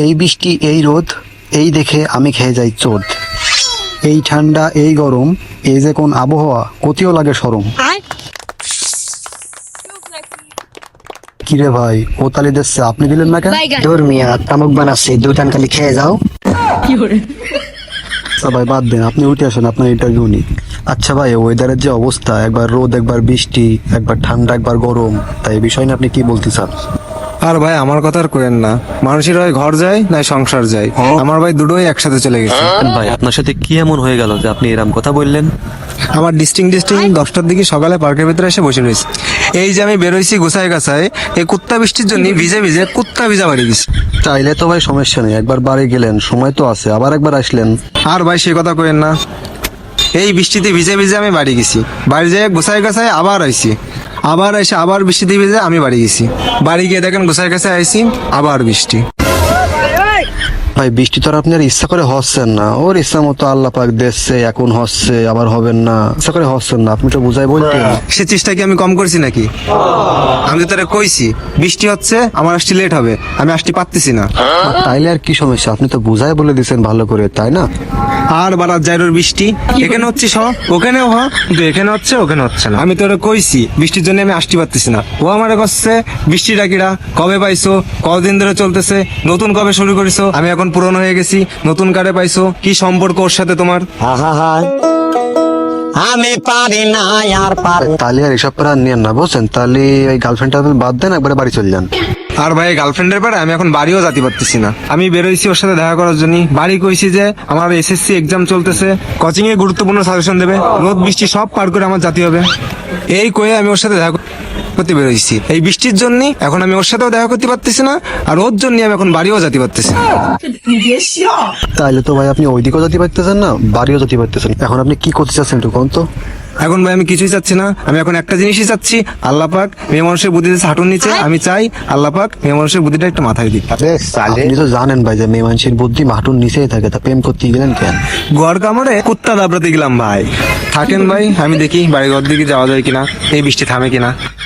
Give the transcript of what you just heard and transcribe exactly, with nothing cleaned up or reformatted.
এই বৃষ্টি এই রোদ এই দেখে আমি খেয়ে যাই চোদ। এই ঠান্ডা এই গরম এই যে কোন আবহাওয়া কতিও লাগে সরম। কিরে ভাই ও তালি দিচ্ছে আপনি দিলেন না কেন? তোর মিয়া তামুক বানাচ্ছে দুটান খালি খেয়ে যাও। আচ্ছা ভাই বাদ দেন, আপনি উঠে আসেন আপনার ইন্টারভিউ নিই। আচ্ছা ভাই ওয়েদারের যে অবস্থা, একবার রোদ একবার বৃষ্টি, একবার ঠান্ডা একবার গরম, তাই এই বিষয় নিয়ে আপনি কি বলতে চান? আর ভাই আমার কথা আর করেন না, মানুষের হয় ঘর যায় না সংসার যায়, আমার ভাই দুটোই একসাথে চলে গেছে। ভাই আপনার সাথে কি এমন হয়ে গেল যে আপনি এরকম কথা বললেন? আমার ডিস্টিং ডিস্টিং দশটার দিকে সকালে পার্কের ভিতরে এসে বসে রয়েছে, এই যে আমি বেরোইছি গোছায় গাছায়, এই কুত্তা বৃষ্টির জন্য ভিজে ভিজে কুত্তা ভিজা বাড়ি গেছি। চাইলে তো ভাই সমস্যা নেই, একবার বাড়ি গেলেন সময় তো আছে, আবার একবার আসলেন। আর ভাই সে কথা করেন না, এই বৃষ্টিতে ভিজে ভিজে আমি বাড়ি গেছি, বাড়ি যেয়ে গোছায় গাছায় আবার আইছি, আবার এসে আবার বৃষ্টিতে ভিজে আমি বাড়ি গেছি, বাড়ি গিয়ে দেখেন গোছায় গাছায় আইছি আবার বৃষ্টি। ভাই বৃষ্টি তো আর আপনি আর ইচ্ছা করে হচ্ছেন না, ওর ইচ্ছা মতো আল্লাহ পাক দিচ্ছে, এখন হচ্ছে আবার হবেন না, ইচ্ছা করে হচ্ছেন না, আপনি তো বুঝাই বলতেন। সে চেষ্টা কি আমি কম করছি নাকি? আমি তো তারা কইছি বৃষ্টি হচ্ছে আমার আসতে লেট হবে, আমি আসতে পারতেছি না। তাইলে আর কি সমস্যা, আপনি তো বুঝাই বলে দিচ্ছেন ভালো করে, তাই না? আর বারাত জাইরোর বৃষ্টি এখানে হচ্ছে স ওখানেও হ, কিন্তু এখানে হচ্ছে ওখানে হচ্ছে না। আমি তো ওরা কইছি বৃষ্টির জন্য আমি আসতে পারতেছি না, ও আমারে করছে বৃষ্টি ডাকিরা কবে পাইছো, কদিন ধরে চলতেছে, নতুন কবে শুরু করেছো, আমি এখন পুরনো হয়ে গেছি, নতুন কারে পাইছো, কি সম্পর্ক ওর সাথে তোমার? আমি পারি না আর পার। তাহলে আর এসব করে আর নিয়েন না, বুঝছেন? তাহলে ওই গার্লফ্রেন্ড টার্লফ্রেন্ড বাদ দেন, একবারে বাড়ি চলে যান। আর ভাই গার্লফ্রেন্ডের পরে আমি এখন বাড়িও যেতে পারতেছি না, আমি বেরোইছি ওর সাথে দেখা করার জন্য, বাড়ি কইছি যে আমার এসএসসি এক্সাম চলতেছে, কোচিং এ গুরুত্বপূর্ণ সাজেশন দেবে, রোদ বৃষ্টি সব পার করে আমার জাতি হবে, এই কয়ে আমি ওর সাথে দেখা করতে বেরোইছি। এই বৃষ্টির জন্য এখন আমি ওর সাথেও দেখা করতে পারতেছি না, আর ওর জন্য আমি এখন বাড়িও যেতে পারতেছি না। তাইলে তো ভাই আপনি ওইদিকেও যেতে পারতেছেন না, বাড়িও যেতে পারতেছেন, এখন আপনি কি করতে চাচ্ছেন একটু কোন তো? এখন ভাই আমি কিছুই চাচ্ছি না, আমি এখন একটা জিনিসই চাচ্ছি, আল্লাহ পাক মেয়ে মানুষের বুদ্ধি দিয়েছে হাঁটুর নিচে, আমি চাই আল্লাহ পাক মেয়ে মানুষের বুদ্ধিটা একটু মাথায় দিক। আপনি তো জানেন ভাই যে মেয়ে মানুষের বুদ্ধি মাটুর নিচেই থাকে, তা প্রেম করতে গেলেন কেন? ঘর কামড়ে কুত্তা দাবড়াতে গেলাম ভাই। থাকেন ভাই, আমি দেখি বাড়ি ঘর দিকে যাওয়া যায় কিনা, এই বৃষ্টি থামে কিনা।